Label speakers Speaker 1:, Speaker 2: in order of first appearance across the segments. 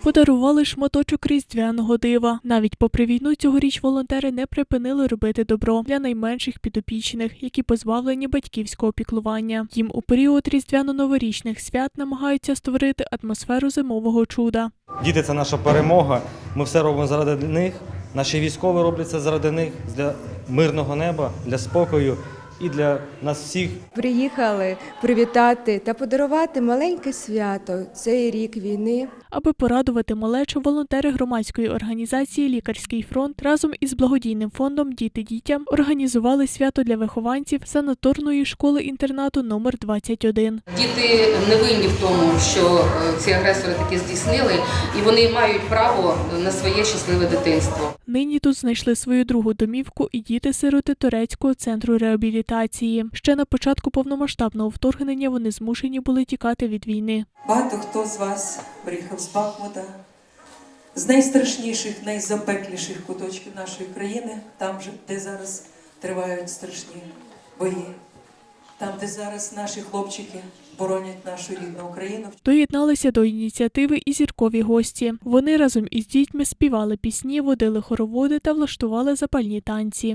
Speaker 1: Подарували шматочок різдвяного дива. Навіть попри війну цьогоріч волонтери не припинили робити добро для найменших підопічних, які позбавлені батьківського піклування. Їм у період різдвяно-новорічних свят намагаються створити атмосферу зимового чуда.
Speaker 2: Діти – це наша перемога, ми все робимо заради них, наші військові роблять це заради них, для мирного неба, для спокою і для нас всіх.
Speaker 3: Приїхали привітати та подарувати маленьке свято цей рік війни.
Speaker 1: Аби порадувати малечу, волонтери громадської організації «Лікарський фронт» разом із благодійним фондом «Діти дітям» організували свято для вихованців санаторної школи-інтернату номер 21.
Speaker 4: Діти не винні в тому, що ці агресори таки здійснили, і вони мають право на своє щасливе дитинство.
Speaker 1: Нині тут знайшли свою другу домівку і діти-сироти Турецького центру реабілітації. Ще на початку повномасштабного вторгнення вони змушені були тікати від війни.
Speaker 5: Багато хто з вас приїхав з Бахмута, з найстрашніших, найзапекліших куточків нашої країни, там, де зараз тривають страшні бої, там, де зараз наші хлопчики боронять нашу рідну Україну.
Speaker 1: Доєдналися до ініціативи і зіркові гості. Вони разом із дітьми співали пісні, водили хороводи та влаштували запальні танці.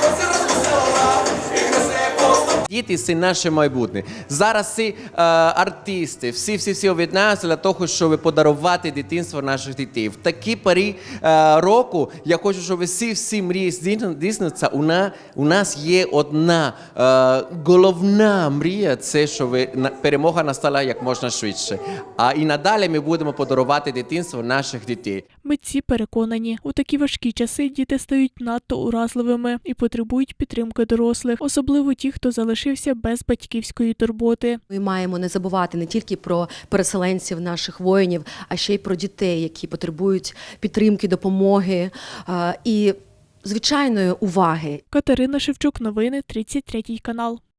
Speaker 6: Діти – це наше майбутнє. Зараз ці артисти, всі об'єднаються для того, щоб подарувати дитинство наших дітей. В такі порі року я хочу, щоб всі мрії здійснюються. У нас є одна головна мрія – це, щоб перемога настала як можна швидше. А і надалі ми будемо подарувати дитинство наших дітей.
Speaker 1: Митці переконані, у такі важкі часи діти стають надто уразливими і потребують підтримки дорослих, особливо ті, хто залишився без батьківської турботи.
Speaker 7: Ми маємо не забувати не тільки про переселенців, наших воїнів, а ще й про дітей, які потребують підтримки, допомоги і звичайної уваги.
Speaker 1: Катерина Шевчук, новини, 33 канал.